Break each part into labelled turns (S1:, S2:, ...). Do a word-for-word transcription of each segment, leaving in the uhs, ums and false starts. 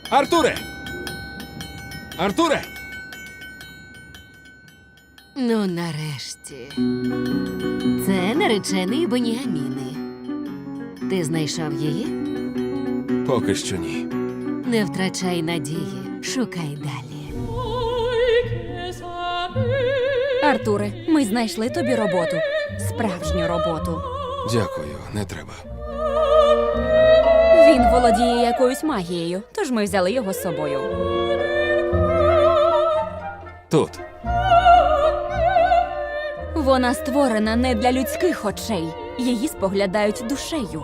S1: Артуре! Артуре!
S2: Ну, нарешті. Це наречений Беніаміни. Ти знайшов її?
S1: Поки що ні.
S2: Не втрачай надії, шукай далі.
S3: Артуре, ми знайшли тобі роботу. Справжню роботу.
S1: Дякую, не треба.
S3: Він володіє якоюсь магією, тож ми взяли його з собою.
S1: Тут.
S3: Вона створена не для людських очей. Її споглядають душею.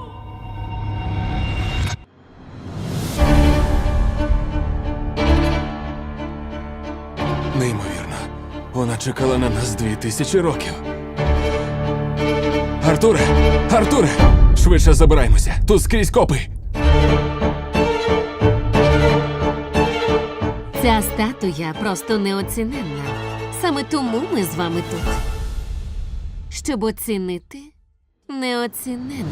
S1: Неймовірно. Вона чекала на нас дві тисячі років. Артуре! Артуре! Швидше забираймося. Тут скрізь копи.
S2: Ця статуя просто неоціненна. Саме тому ми з вами тут. Щоб оцінити неоціненне.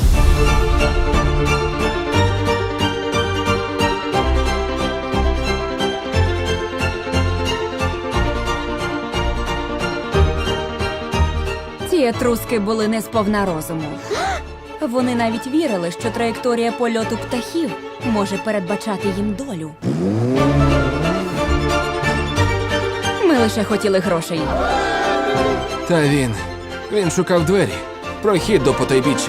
S3: Ці етруски були не сповна розуму. Вони навіть вірили, що траєкторія польоту птахів може передбачати їм долю. Ми лише хотіли грошей.
S1: Та він. Він шукав двері. Прохід до потайбіччя.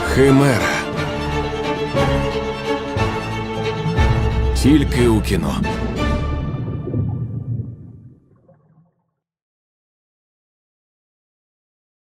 S1: Химера. Тільки у кіно.